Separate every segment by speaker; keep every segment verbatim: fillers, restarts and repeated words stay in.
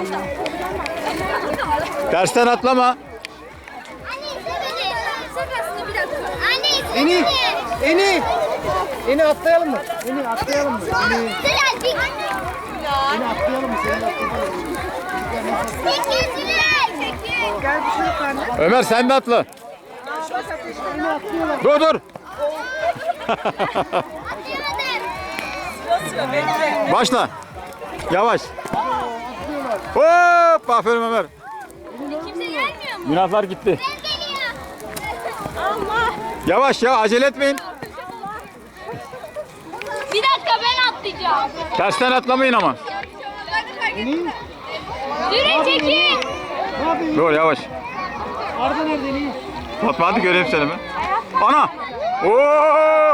Speaker 1: Tersten atlama.
Speaker 2: Eni, Eni, Eni atlayalım mı? Eni atlayalım mı? Eni, Eni atlayalım mı? Gel bir şey yukarı.
Speaker 1: Ömer sen de atla. Dur dur. Başla. Yavaş. Hop, aferin Ömer.
Speaker 3: Kimse gelmiyor mu?
Speaker 1: Münaflar gitti.
Speaker 3: Allah.
Speaker 1: Yavaş ya, acele etmeyin.
Speaker 3: Bir dakika ben atlayacağım.
Speaker 1: Tersten atlamayın ama.
Speaker 3: Yürü çekin.
Speaker 1: Dur yavaş.
Speaker 2: Arda nerede Eni?
Speaker 1: Fatma hadi göreyim seni mi? Ana! Oo!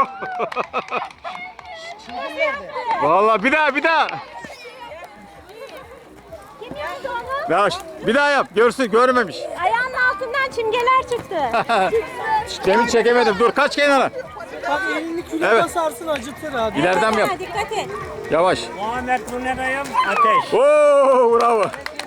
Speaker 1: Vallahi bir daha bir daha.
Speaker 3: Kim yaptı onu?
Speaker 1: Yavaş. Bir daha yap. Görsün, görmemiş.
Speaker 3: Ayağının altından çimgeler çıktı.
Speaker 1: Cemil çekemedim. Dur kaç kenara.
Speaker 2: Bak elini küle
Speaker 1: Evet.
Speaker 2: basarsın acıtır abi.
Speaker 1: İleriden mi yap?
Speaker 3: Dikkat et.
Speaker 1: Yavaş.
Speaker 4: Muhammed bu ne dayım? Ateş.
Speaker 1: Oo, bravo.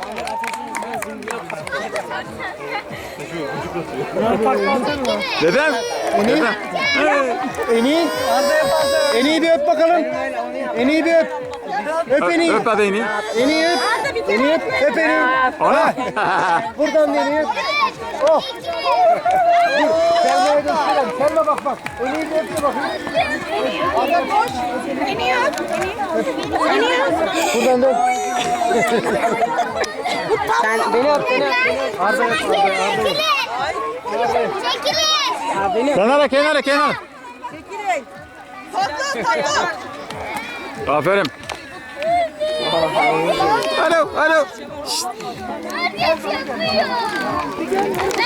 Speaker 1: Dedem. Dedem.
Speaker 2: Eni, Eni'yi bir öp bakalım. Eni'yi bir öp. Öp Eni'yi.
Speaker 1: Öp hadi Eni.
Speaker 2: Eni'yi öp. Eni'yi öp. Öp Eni'yi.
Speaker 1: Ana.
Speaker 2: Buradan Eni'yi öp. Oh. Dur. Selma'ya gösterelim. Selma bak bak. Eni'yi bir öp de bakayım.
Speaker 3: Eniyor. Eniyor.
Speaker 2: Buradan da öp. Sen beni öp, beni öp. Arda öp, Arda, Arda öp.
Speaker 3: Çekilin.
Speaker 1: Kenara kenara kenara. Aferin. Alo alo.
Speaker 3: Herkes yapıyor.